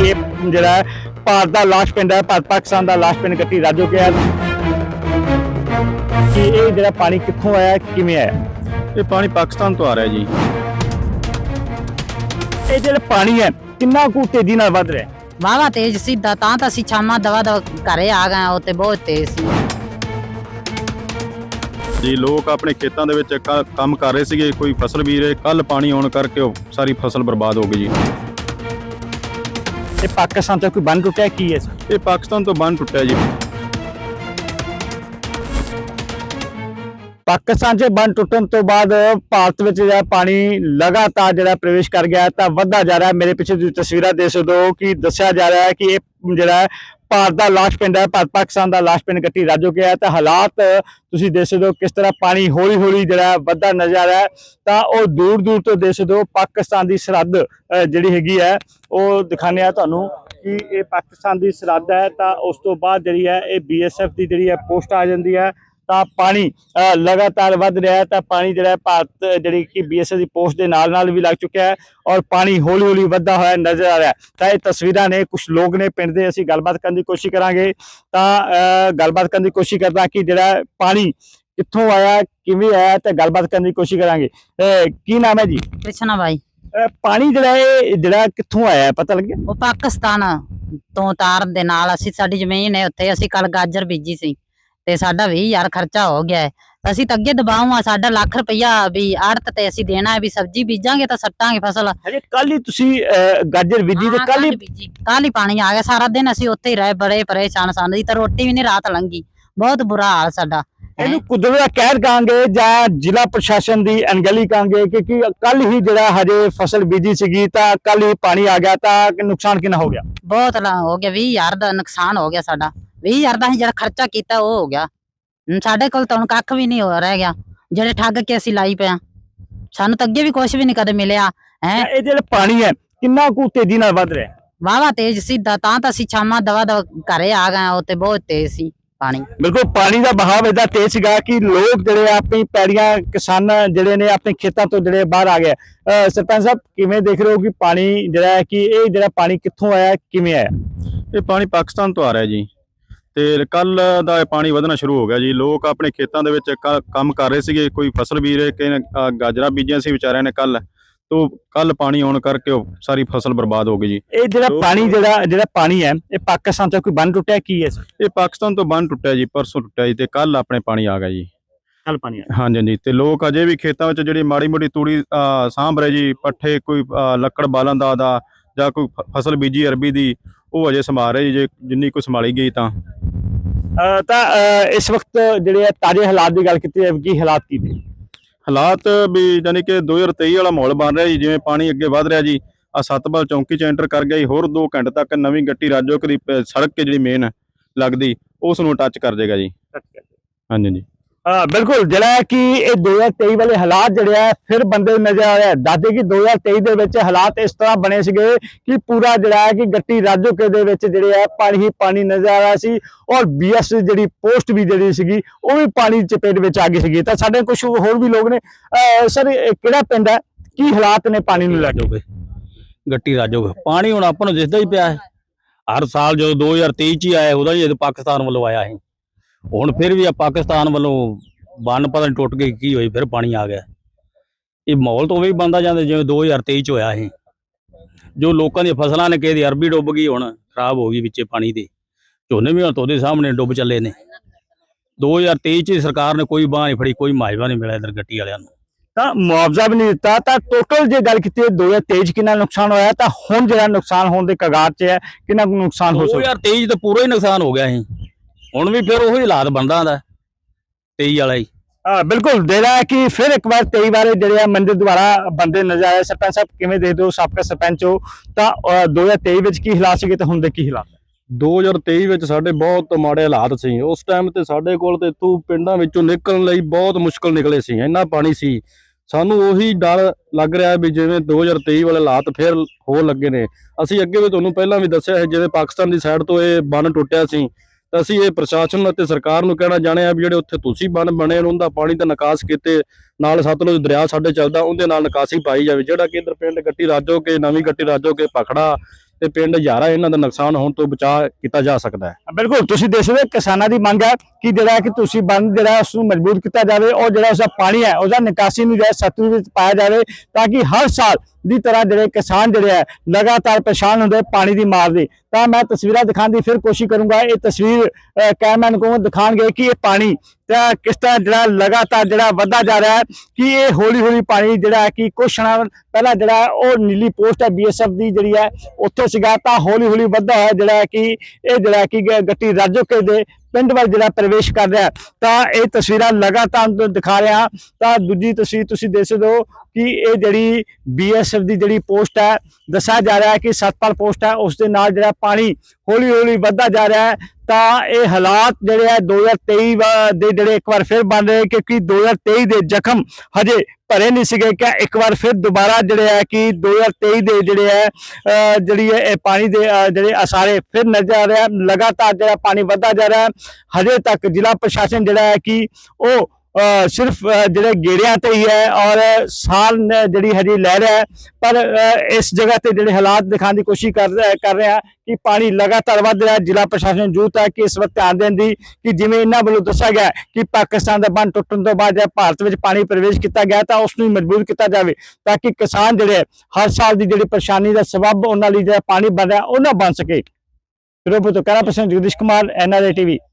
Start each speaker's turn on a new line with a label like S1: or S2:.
S1: ਇਹ ਜਿਹੜਾ ਭਾਰਤ ਦਾ ਲਾਸਟ ਪਿੰਡ ਹੈ, ਭਾਰਤ ਪਾਕਿਸਤਾਨ ਦਾ ਲਾਸਟ ਪਿੰਡ ਗੱਟੀ ਰਾਜੋਕੇ ਹੈ ਕਿ ਇਹ ਜਿਹੜਾ ਪਾਣੀ ਕਿੱਥੋਂ ਆਇਆ, ਕਿਵੇਂ ਆਇਆ?
S2: ਇਹ ਪਾਣੀ ਪਾਕਿਸਤਾਨ ਤੋਂ ਆ ਰਿਹਾ ਜੀ।
S1: ਇਹ ਜਿਹੜਾ ਪਾਣੀ ਹੈ ਕਿੰਨਾ ਕੁ ਤੇਜ਼ੀ ਨਾਲ ਵੱਧ ਰਿਹਾ ਹੈ?
S3: ਵਾਹਵਾ ਤੇਜ਼ ਸਿੱਧਾ ਤਾਂ ਅਸੀਂ ਛਾਮਾ ਦਵਾ ਘਰੇ ਆ ਗਏ, ਉਹ ਤੇ ਬਹੁਤ ਤੇਜ਼ ਸੀ
S2: ਜੀ। ਲੋਕ ਆਪਣੇ ਖੇਤਾਂ ਦੇ ਵਿੱਚ ਕੰਮ ਕਰ ਰਹੇ ਸੀਗੇ, ਕੋਈ ਫਸਲ ਬੀਜ ਰਹੇ, ਕੱਲ ਪਾਣੀ ਆਉਣ ਕਰਕੇ ਉਹ ਸਾਰੀ ਫਸਲ ਬਰਬਾਦ ਹੋ ਗਈ ਜੀ।
S1: ਇਹ ਪਾਕਿਸਤਾਨ ਤੋਂ ਕੋਈ ਬੰਨ ਟੁੱਟਿਆ, ਕੀ ਹੈ?
S2: ਇਹ ਪਾਕਿਸਤਾਨ ਤੋਂ ਬੰਨ ਟੁੱਟਿਆ ਜੀ।
S1: ਪਾਕਿਸਤਾਨ 'ਚ ਬੰਨ ਟੁੱਟਣ ਤੋਂ ਬਾਅਦ ਭਾਰਤ ਵਿੱਚ ਜਿਹੜਾ ਪਾਣੀ ਲਗਾਤਾਰ ਜਿਹੜਾ ਪ੍ਰਵੇਸ਼ ਕਰ ਗਿਆ ਤਾਂ ਵੱਧਦਾ ਜਾ ਰਿਹਾ। ਮੇਰੇ ਪਿੱਛੇ ਤੁਸੀਂ ਤਸਵੀਰਾਂ ਦੇਖ ਸਕਦੇ ਹੋ ਕਿ ਦੱਸਿਆ ਜਾ ਰਿਹਾ ਹੈ ਕਿ ਇਹ ਜਿਹੜਾ ਭਾਰਤ ਦਾ ਲਾਸਟ ਪਿੰਡ ਹੈ, ਭਾਰਤ ਪਾਕਿਸਤਾਨ ਦਾ ਲਾਸਟ ਪਿੰਡ ਗੱਟੀ ਰਾਜੋਕੇ ਹੈ। ਤਾਂ ਹਾਲਾਤ ਤੁਸੀਂ ਦੇਖ ਸਕਦੇ ਹੋ ਕਿਸ ਤਰ੍ਹਾਂ ਪਾਣੀ ਹੌਲੀ ਹੌਲੀ ਜਿਹੜਾ ਵੱਧਦਾ ਨਜ਼ਰ ਆ ਰਿਹਾ ਹੈ। ਤਾਂ ਉਹ ਦੂਰ ਦੂਰ ਤੋਂ ਦੇਖ ਸਕਦੇ ਹੋ ਪਾਕਿਸਤਾਨ ਦੀ ਸਰਹੱਦ ਜਿਹੜੀ ਹੈਗੀ ਹੈ ਉਹ ਦਿਖਾਉਂਦੇ ਆ ਤੁਹਾਨੂੰ ਕਿ ਇਹ ਪਾਕਿਸਤਾਨ ਦੀ ਸਰਹੱਦ ਹੈ। ਤਾਂ ਉਸ ਤੋਂ ਬਾਅਦ ਜਿਹੜੀ ਹੈ ਇਹ BSF ਦੀ ਜਿਹੜੀ ਹੈ ਪੋਸਟ ਆ ਜਾਂਦੀ ਹੈ। ਤਾਂ ਪਾਣੀ ਲਗਾਤਾਰ ਵੱਧ ਰਿਹਾ ਹੈ। ਤਾਂ ਪਾਣੀ ਜਿਹੜਾ ਭਾਰਤ ਜਿਹੜੀ ਕਿ BSF ਦੀ ਪੋਸਟ ਦੇ ਨਾਲ ਵੀ ਲੱਗ ਚੁੱਕਿਆ ਹੈ ਔਰ ਪਾਣੀ ਹੌਲੀ ਹੌਲੀ ਵੱਧਦਾ ਹੋਇਆ ਨਜ਼ਰ ਆ ਰਿਹਾ ਹੈ। ਤਾਂ ਇਹ ਤਸਵੀਰਾਂ ਨੇ, ਕੁਝ ਲੋਕ ਨੇ ਪਿੰਡ ਦੇ, ਅਸੀਂ ਗੱਲਬਾਤ ਕਰਨ ਦੀ ਕੋਸ਼ਿਸ਼ ਕਰਾਂਗੇ। ਤਾਂ ਗੱਲਬਾਤ ਕਰਨ ਦੀ ਕੋਸ਼ਿਸ਼ ਕਰਦਾ ਕਿ ਜਿਹੜਾ ਪਾਣੀ ਕਿੱਥੋਂ ਆਇਆ, ਕਿਵੇਂ ਆਇਆ, ਤੇ ਗੱਲਬਾਤ ਕਰਨ ਦੀ ਕੋਸ਼ਿਸ਼ ਕਰਾਂਗੇ। ਕੀ ਨਾਮ ਹੈ ਜੀ?
S3: ਕ੍ਰਿਸ਼ਨਾ ਬਾਈ।
S1: ਪਾਣੀ ਜਿਹੜਾ ਕਿੱਥੋਂ ਆਇਆ ਪਤਾ ਲੱਗਿਆ?
S3: ਉਹ ਪਾਕਿਸਤਾਨ ਤੋਂ ਤਾਰਨ ਦੇ ਨਾਲ ਸਾਡੀ ਜ਼ਮੀਨ ਹੈ, ਉੱਥੇ ਅਸੀਂ ਕੱਲ ਗਾਜਰ ਬੀਜੀ ਸੀ ਤੇ ਸਾਡਾ 20,000 ਖਰਚਾ ਹੋ ਗਿਆ ਹੈ। ਅਸੀਂ ਤਾਂ ਅੱਗੇ ਦਬਾਉ ਆ, ਸਾਡਾ ਲੱਖ ਰੁਪਇਆ ਵੀ ਆੜਤ ਤੇ ਅਸੀਂ ਦੇਣਾ ਹੈ ਵੀ ਸਬਜ਼ੀ ਬੀਜਾਂਗੇ ਤਾਂ ਸੱਟਾਂਗੇ ਫਸਲ।
S1: ਹਜੇ ਕੱਲ ਹੀ ਤੁਸੀਂ ਗਾਜਰ ਬੀਜੀ ਤੇ ਕੱਲ
S3: ਹੀ ਪਾਣੀ ਆ ਗਿਆ। ਸਾਰਾ ਦਿਨ ਅਸੀਂ ਉੱਥੇ ਹੀ ਰਹੇ, ਬੜੇ ਪਰੇਸ਼ਾਨ ਸਨ ਜੀ। ਤਾਂ ਰੋਟੀ ਵੀ ਨਹੀਂ ਰਾਤ ਲੰਘੀ, ਬਹੁਤ ਬੁਰਾ ਹਾਲ ਸਾਡਾ।
S1: ਇਹਨੂੰ ਕੁਦਰਤ ਦਾ ਕਹਿਰ ਕਹਾਂਗੇ ਜਾਂ ਜ਼ਿਲ੍ਹਾ ਪ੍ਰਸ਼ਾਸਨ ਦੀ ਅਣਗਹਿਲੀ ਕਹਾਂਗੇ ਕਿ ਕੱਲ ਹੀ ਜਿਹੜਾ ਹਜੇ ਫਸਲ ਬੀਜੀ ਸੀਗੀ ਤਾਂ ਕੱਲ ਹੀ ਪਾਣੀ ਆ ਗਿਆ, ਤਾਂ ਨੁਕਸਾਨ ਕਿੰਨਾ ਹੋ ਗਿਆ?
S3: ਬਹੁਤ ਹੋ ਗਿਆ, 20,000 ਦਾ ਨੁਕਸਾਨ ਹੋ ਗਿਆ ਸਾਡਾ। 20,000 ਦਾ ਅਸੀਂ ਜਿਹੜਾ ਖਰਚਾ ਕੀਤਾ ਉਹ ਹੋ ਗਿਆ। ਸਾਡੇ ਕੋਲ ਤਾਂ ਹੁਣ ਕੱਖ ਵੀ ਨਹੀਂ ਹੋ ਰਹਿ ਗਿਆ, ਜਿਹੜੇ ਠੱਗ ਕੇ ਅਸੀਂ ਲਾਈ ਪਿਆ। ਸਾਨੂੰ ਤਾਂ ਅੱਗੇ ਵੀ ਕੁਝ ਵੀ ਨਹੀਂ ਕਦੇ ਮਿਲਿਆ ਹੈ। ਇਹ
S1: ਜਿਹੜਾ ਪਾਣੀ ਹੈ ਕਿੰਨਾ ਕੁ ਤੇਜ਼ੀ ਨਾਲ ਵੱਧ ਰਿਹਾ?
S3: ਵਾਹਵਾ ਤੇਜ਼ ਸਿੱਧਾ ਤਾਂ ਅਸੀਂ ਛਾਮਾ ਦਵਾ ਘਰੇ ਆ ਗਏ, ਉਹ ਤੇ ਬਹੁਤ ਤੇਜ਼ ਸੀ ਪਾਣੀ।
S1: ਬਿਲਕੁਲ ਪਾਣੀ ਦਾ ਬਹਾਵ ਏਦਾਂ ਤੇਜ਼ ਸੀਗਾ ਕਿ ਲੋਕ ਜਿਹੜੇ ਆਪਣੀ ਪੈੜੀਆਂ, ਕਿਸਾਨ ਜਿਹੜੇ ਨੇ ਆਪਣੇ ਖੇਤਾਂ ਤੋਂ ਜਿਹੜੇ ਬਾਹਰ ਆ ਗਏ। ਸਰਪੰਚ ਸਾਹਿਬ, ਕਿਵੇਂ ਦੇਖ ਰਹੇ ਹੋ ਕਿ ਪਾਣੀ ਜਿਹੜਾ ਹੈ ਕਿ ਇਹ ਜਿਹੜਾ ਪਾਣੀ ਕਿੱਥੋਂ ਆਇਆ, ਕਿਵੇਂ ਆਇਆ?
S2: ਇਹ ਪਾਣੀ ਪਾਕਿਸਤਾਨ ਤੋਂ ਆ ਰਿਹਾ ਜੀ ਤੇ ਕੱਲ ਦਾ ਇਹ ਪਾਣੀ ਵਧਣਾ ਸ਼ੁਰੂ ਹੋ ਗਿਆ ਜੀ। ਲੋਕ ਆਪਣੇ ਖੇਤਾਂ ਦੇ ਵਿੱਚ ਕੰਮ ਕਰ ਰਹੇ ਸੀਗੇ, ਕੋਈ ਫਸਲ ਬੀਜ ਰਹੇ, ਕਿਸੇ ਨੇ ਗਾਜਰਾਂ ਬੀਜੀਆਂ ਸੀ ਵਿਚਾਰਿਆਂ ਨੇ ਕੱਲ ਪਾਣੀ ਆਉਣ ਕਰਕੇ ਉਹ ਸਾਰੀ ਫਸਲ ਬਰਬਾਦ ਹੋ ਗਈ ਜੀ।
S1: ਇਹ ਜਿਹੜਾ ਪਾਣੀ ਹੈ ਇਹ ਪਾਕਿਸਤਾਨ ਤੋਂ ਕੋਈ ਬੰਨ ਟੁੱਟਿਆ, ਕੀ ਹੈ?
S2: ਇਹ ਪਾਕਿਸਤਾਨ ਤੋਂ ਬੰਨ ਟੁੱਟਿਆ ਜੀ, ਪਰਸੋਂ ਟੁੱਟਿਆ ਜੀ ਤੇ ਕੱਲ ਆਪਣੇ ਪਾਣੀ ਆ ਗਿਆ ਜੀ।
S1: ਕੱਲ ਪਾਣੀ ਆ?
S2: ਹਾਂਜੀ ਹਾਂਜੀ। ਤੇ ਲੋਕ ਅਜੇ ਵੀ ਖੇਤਾਂ ਵਿੱਚ ਜਿਹੜੀ ਮਾੜੀ ਮੋਟੀ ਤੂੜੀ ਸਾਂਭ ਰਹੇ ਜੀ, ਪੱਠੇ, ਕੋਈ ਲੱਕੜ ਬਾਲਣ ਦਾ ਜਾਂ ਕੋਈ ਫਸਲ ਬੀਜੀ ਅਰਬੀ ਦੀ, ਉਹ ਅਜੇ ਸੰਭਾਲ ਰਹੇ ਜੀ, ਜੇ ਜਿੰਨੀ ਕੋਈ ਸੰਭਾਲੀ ਗਈ ਤਾਂ
S1: ਇਸ ਵਕਤ ਜਿਹੜੇ ਤਾਜ਼ੇ ਹਾਲਾਤ ਦੀ ਗੱਲ ਕੀਤੀ ਜਾਵੇ, ਕੀ ਹਾਲਾਤ ਕੀ ਨੇ?
S2: ਹਾਲਾਤ ਵੀ ਯਾਨੀ ਕਿ 2023 ਵਾਲਾ ਮਾਹੌਲ ਬਣ ਰਿਹਾ ਜੀ। ਜਿਵੇਂ ਪਾਣੀ ਅੱਗੇ ਵਧ ਰਿਹਾ ਜੀ, ਆ ਸਤਪਾਲ ਚੌਂਕੀ 'ਚ ਐਂਟਰ ਕਰ ਗਿਆ ਜੀ, ਹੋਰ 2 ਘੰਟੇ ਤੱਕ ਨਵੀਂ ਗੱਟੀ ਰਾਜੋਕੇ ਦੀ ਸੜਕ ਕੇ ਜਿਹੜੀ ਮੇਨ ਲੱਗਦੀ ਉਸ ਨੂੰ ਟੱਚ ਕਰ ਜਾਏਗਾ ਜੀ। ਹਾਂਜੀ ਹਾਂਜੀ।
S1: ਬਿਲਕੁਲ ਜਿਹੜਾ ਕਿ ਇਹ 2023 ਵਾਲੇ ਹਾਲਾਤ ਜਿਹੜੇ ਆ ਫਿਰ ਬੰਦੇ ਨਜ਼ਰ ਆ ਰਿਹਾ। ਦੱਸਦੇ ਕਿ 2023 ਦੇ ਵਿੱਚ ਹਾਲਾਤ ਇਸ ਤਰ੍ਹਾਂ ਬਣੇ ਸੀਗੇ ਕਿ ਪੂਰਾ ਜਿਹੜਾ ਹੈ ਕਿ ਗੱਟੀ ਰਾਜੋਕੇ ਦੇ ਵਿੱਚ ਜਿਹੜੇ ਆ ਪਾਣੀ ਹੀ ਪਾਣੀ ਨਜ਼ਰ ਆ ਰਿਹਾ ਸੀ ਔਰ BS ਜਿਹੜੀ ਪੋਸਟ ਵੀ ਜਿਹੜੀ ਸੀਗੀ ਉਹ ਵੀ ਪਾਣੀ ਚਪੇਟ ਵਿੱਚ ਆ ਗਈ ਸੀਗੀ। ਤਾਂ ਸਾਡੇ ਕੁਝ ਹੋਰ ਵੀ ਲੋਕ ਨੇ। ਸਰ, ਕਿਹੜਾ ਪਿੰਡ ਹੈ, ਕੀ ਹਾਲਾਤ ਨੇ ਪਾਣੀ ਨੂੰ ਲੈ ਕੇ?
S4: ਗੱਟੀ ਰਾਜੋਕੇ ਪਾਣੀ ਹੁਣ ਆਪਾਂ ਨੂੰ ਦਿਸਦਾ ਹੀ ਪਿਆ ਹੈ। ਹਰ ਸਾਲ ਜਦੋਂ 2023 ਚ ਹੀ ਆਇਆ, ਉਹਦਾ ਜਦੋਂ ਪਾਕਿਸਤਾਨ ਵੱਲੋਂ ਆਇਆ ਸੀ, ਹੁਣ ਫਿਰ ਵੀ ਆ ਪਾਕਿਸਤਾਨ ਵੱਲੋਂ ਬੰਨ ਪਤਾ ਨਹੀਂ ਟੁੱਟ ਗਈ ਕੀ ਹੋਈ, ਫਿਰ ਪਾਣੀ ਆ ਗਿਆ। ਇਹ ਮਾਹੌਲ ਤਾਂ ਉਹ ਵੀ ਬਣਦਾ ਜਾਂਦਾ ਜਿਵੇਂ 2023 ਚ ਹੋਇਆ ਸੀ। ਜੋ ਲੋਕਾਂ ਦੀਆਂ ਫਸਲਾਂ ਨੇ, ਕਿਸੇ ਦੀ ਅਰਬੀ ਡੁੱਬ ਗਈ, ਹੁਣ ਖਰਾਬ ਹੋ ਗਈ ਵਿੱਚੇ ਪਾਣੀ ਦੇ। ਝੋਨੇ ਵੀ ਹੁਣ ਤੁਹਾਡੇ ਸਾਹਮਣੇ ਡੁੱਬ ਚੱਲੇ ਨੇ। 2023 ਚ ਸਰਕਾਰ ਨੇ ਕੋਈ ਬਾਂਹ ਨਹੀਂ ਫੜੀ, ਕੋਈ ਮੁਆਵਜ਼ਾ ਨਹੀਂ ਮਿਲਿਆ ਇਧਰ ਗੱਟੀ ਵਾਲਿਆਂ ਨੂੰ।
S1: ਤਾਂ ਮੁਆਵਜ਼ਾ ਵੀ ਨਹੀਂ ਦਿੱਤਾ। ਤਾਂ ਟੋਟਲ ਜੇ ਗੱਲ ਕੀਤੀ 2023 ਕਿੰਨਾ ਨੁਕਸਾਨ ਹੋਇਆ, ਤਾਂ ਹੁਣ ਜਿਹੜਾ ਨੁਕਸਾਨ ਹੋਣ ਦੇ ਕਗਾਰ 'ਚ ਹੈ, ਕਿੰਨਾ ਕੁ ਨੁਕਸਾਨ ਹੋ ਸਕਦਾ?
S4: 2023 ਤਾਂ ਪੂਰਾ ਹੀ ਨੁਕਸਾਨ ਹੋ ਗਿਆ ਸੀ। ਹੁਣ ਵੀ ਫਿਰ ਉਹੀ ਹਾਲਾਤ ਬਣਦਾ ਹੁੰਦਾ 23 ਵਾਲਾ ਹੀ।
S1: ਬਿਲਕੁਲ ਜਿਹੜਾ ਕਿ ਫਿਰ ਇੱਕ ਵਾਰ 23 ਵਾਰੇ ਜਿਹੜੇ ਆ ਮੰਦਿਰ ਦੁਆਰਾ ਬੰਦੇ ਨਜ਼ਰ ਆਏ। ਸਰਪੰਚ ਸਾਹਿਬ, ਕਿਵੇਂ ਦੇਖਦੇ ਹੋ, ਸਾਬਕਾ ਸਰਪੰਚ ਹੋ, ਤਾਂ 2023 ਵਿੱਚ ਕੀ ਹਾਲਾਤ ਸੀਗੇ ਤੇ ਹੁਣ ਦੇ ਕੀ ਹਾਲਾਤ?
S4: 2023 ਵਿੱਚ ਸਾਡੇ ਬਹੁਤ ਮਾੜੇ ਹਾਲਾਤ ਸੀ। ਉਸ ਟਾਈਮ ਤੇ ਸਾਡੇ ਕੋਲ ਤੇ ਇੱਥੋਂ ਪਿੰਡਾਂ ਵਿੱਚੋਂ ਨਿਕਲਣ ਲਈ ਬਹੁਤ ਮੁਸ਼ਕਲ ਨਿਕਲੇ ਸੀ, ਇੰਨਾ ਪਾਣੀ ਸੀ। ਸਾਨੂੰ ਉਹੀ ਡਰ ਲੱਗ ਰਿਹਾ ਵੀ ਜਿਵੇਂ 2023 ਵਾਲੇ ਹਾਲਾਤ ਫਿਰ ਹੋ ਲੱਗੇ ਨੇ। ਅਸੀਂ ਅੱਗੇ ਵੀ ਤੁਹਾਨੂੰ ਪਹਿਲਾਂ ਵੀ ਦੱਸਿਆ ਹੈ, ਜਿਵੇਂ ਪਾਕਿਸਤਾਨ ਦੀ ਸਾਈਡ ਤੋਂ ਇਹ ਬੰਨ ਟੁੱਟਿਆ ਸੀ ਤਾਂ ਅਸੀਂ ਇਹ ਪ੍ਰਸ਼ਾਸਨ ਅਤੇ ਸਰਕਾਰ ਨੂੰ ਕਹਿਣਾ ਚਾਹੁੰਦੇ ਆ ਵੀ ਜਿਹੜੇ ਉੱਥੇ ਤੁਸੀਂ ਬੰਨ ਬਣੇ ਉਹਦਾ ਪਾਣੀ ਦਾ ਨਿਕਾਸ ਕੀਤੇ, ਨਾਲ ਸਤਲੁਜ ਦਰਿਆ ਸਾਡੇ ਚੱਲਦਾ ਉਹਦੇ ਨਾਲ ਨਿਕਾਸੀ ਪਾਈ ਜਾਵੇ। ਜਿਹੜਾ ਕਿ ਇਧਰ ਪਿੰਡ ਗੱਟੀ ਰਾਜੋਕੇ, ਨਵੀਂ ਗੱਟੀ ਰਾਜੋਕੇ, ਭਖੜਾ ਤੇ ਪਿੰਡ ਹਜ਼ਾਰਾਂ ਇਹਨਾਂ ਦਾ ਨੁਕਸਾਨ ਹੋਣ ਤੋਂ ਬਚਾਅ ਕੀਤਾ ਜਾ ਸਕਦਾ ਹੈ।
S1: ਬਿਲਕੁਲ ਤੁਸੀਂ ਦੇਖ ਸਕਦੇ ਹੋ ਕਿਸਾਨਾਂ ਦੀ ਮੰਗ ਹੈ ਕਿ ਜਿਹੜਾ ਕਿ ਤੁਸੀਂ ਬੰਦ ਜਿਹੜਾ ਉਸ ਨੂੰ ਮਜ਼ਬੂਤ ਕੀਤਾ ਜਾਵੇ ਔਰ ਜਿਹੜਾ ਉਸਦਾ ਪਾਣੀ ਹੈ ਉਹਦਾ ਨਿਕਾਸੀ ਨੂੰ ਜਿਹੜਾ ਸਤਲੁਜ ਵਿੱਚ ਪਾਇਆ ਜਾਵੇ ਤਾਂ ਕਿ ਹਰ ਸਾਲ ਦੀ ਤਰ੍ਹਾਂ ਜਿਹੜੇ ਕਿਸਾਨ ਜਿਹੜੇ ਹੈ ਲਗਾਤਾਰ ਪਰੇਸ਼ਾਨ ਹੁੰਦੇ ਪਾਣੀ ਦੀ ਮਾਰ ਦੀ। ਤਾਂ ਮੈਂ ਤਸਵੀਰਾਂ ਦਿਖਾਉਣ ਦੀ ਫਿਰ ਕੋਸ਼ਿਸ਼ ਕਰੂੰਗਾ। ਇਹ ਤਸਵੀਰ ਕੈਮਰਾਮੈਨ ਕੋਲ ਦਿਖਾਣਗੇ ਕਿ ਇਹ ਪਾਣੀ ਤਾਂ ਕਿਸ ਤਰ੍ਹਾਂ ਜਿਹੜਾ ਲਗਾਤਾਰ ਜਿਹੜਾ ਵੱਧਦਾ ਜਾ ਰਿਹਾ ਹੈ ਕਿ ਇਹ ਹੌਲੀ ਹੌਲੀ ਪਾਣੀ ਜਿਹੜਾ ਕਿ ਕੁਛ ਸਮਾਂ ਪਹਿਲਾਂ ਜਿਹੜਾ ਉਹ ਨੀਲੀ ਪੋਸਟ ਹੈ BSF ਦੀ ਜਿਹੜੀ ਹੈ ਉੱਥੇ ਸੀਗਾ, ਤਾਂ ਹੌਲੀ ਹੌਲੀ ਵੱਧਦਾ ਹੋਇਆ ਜਿਹੜਾ ਕਿ ਇਹ ਜਿਹੜਾ ਕਿ ਗੱਟੀ ਰਾਜੋਕੇ ਦੇ ਪਿੰਡ ਵੱਲ ਜਿਹੜਾ ਪ੍ਰਵੇਸ਼ ਕਰ ਰਿਹਾ। ਤਾਂ ਇਹ ਤਸਵੀਰਾਂ ਲਗਾਤਾਰ ਦਿਖਾ ਰਿਹਾ। ਤਾਂ ਦੂਜੀ ਤਸਵੀਰ ਤੁਸੀਂ ਦੇਖ ਸਕਦੇ ਹੋ ਕਿ ਇਹ ਜਿਹੜੀ BSF ਦੀ ਜਿਹੜੀ ਪੋਸਟ ਹੈ ਦੱਸਿਆ ਜਾ ਰਿਹਾ ਹੈ ਕਿ ਸਤਪਾਲ ਪੋਸਟ ਹੈ ਉਸ ਦੇ ਨਾਲ ਜਿਹੜਾ ਪਾਣੀ ਹੌਲੀ ਹੌਲੀ ਵੱਧਦਾ ਜਾ ਰਿਹਾ ਹੈ। ਤਾਂ ਇਹ ਹਾਲਾਤ ਜਿਹੜੇ ਹੈ 2023 ਦੇ ਜਿਹੜੇ ਇੱਕ ਵਾਰ ਫਿਰ ਬਣ ਰਹੇ ਕਿਉਂਕਿ 2023 ਦੇ ਜ਼ਖਮ ਹਜੇ ਭਰੇ ਨਹੀਂ ਸੀਗੇ ਕਿ ਇੱਕ ਵਾਰ ਫਿਰ ਦੁਬਾਰਾ ਜਿਹੜੇ ਹੈ ਕਿ 2023 ਦੇ ਜਿਹੜੇ ਹੈ ਜਿਹੜੀ ਇਹ ਪਾਣੀ ਦੇ ਜਿਹੜੇ ਅਸਾਰੇ ਫਿਰ ਨਜ਼ਰ ਆ ਰਿਹਾ। ਲਗਾਤਾਰ ਜਿਹੜਾ ਪਾਣੀ ਵੱਧਦਾ ਜਾ ਰਿਹਾ। ਹਜੇ ਤੱਕ ਜ਼ਿਲ੍ਹਾ ਪ੍ਰਸ਼ਾਸਨ ਜਿਹੜਾ ਹੈ ਕਿ ਉਹ ਸਿਰਫ ਜਿਹੜੇ ਗੇੜਿਆਂ ਤੇ ਹੀ ਹੈ ਔਰ ਸਾਲ ਜਿਹੜੀ ਹਜੇ ਲੈ ਰਿਹਾ ਹੈ, ਪਰ ਇਸ ਜਗ੍ਹਾ ਤੇ ਜਿਹੜੇ ਹਾਲਾਤ ਦਿਖਾਉਣ ਦੀ ਕੋਸ਼ਿਸ਼ ਕਰ ਰਿਹਾ ਕਿ ਪਾਣੀ ਲਗਾਤਾਰ ਵੱਧ ਰਿਹਾ। ਜ਼ਿਲ੍ਹਾ ਪ੍ਰਸ਼ਾਸਨ ਨੂੰ ਜ਼ਰੂਰਤ ਹੈ ਕਿ ਇਸ ਵਕਤ ਧਿਆਨ ਦੇਣ ਦੀ ਕਿ ਜਿਵੇਂ ਇਹਨਾਂ ਵੱਲੋਂ ਦੱਸਿਆ ਗਿਆ ਕਿ ਪਾਕਿਸਤਾਨ ਦਾ ਬੰਨ ਟੁੱਟਣ ਤੋਂ ਬਾਅਦ ਭਾਰਤ ਵਿੱਚ ਪਾਣੀ ਪ੍ਰਵੇਸ਼ ਕੀਤਾ ਗਿਆ ਤਾਂ ਉਸ ਨੂੰ ਮਜ਼ਬੂਤ ਕੀਤਾ ਜਾਵੇ ਤਾਂ ਕਿ ਕਿਸਾਨ ਜਿਹੜੇ ਹਰ ਸਾਲ ਦੀ ਜਿਹੜੀ ਪਰੇਸ਼ਾਨੀ ਦਾ ਸਬਬ ਉਹਨਾਂ ਲਈ ਜਿਹੜਾ ਪਾਣੀ ਬਣ ਰਿਹਾ ਉਹ ਨਾ ਬਣ ਸਕੇ। ਫਿਰੋਜ਼ਪੁਰ ਤੋਂ camera person Jagdish Kumar NRA TV।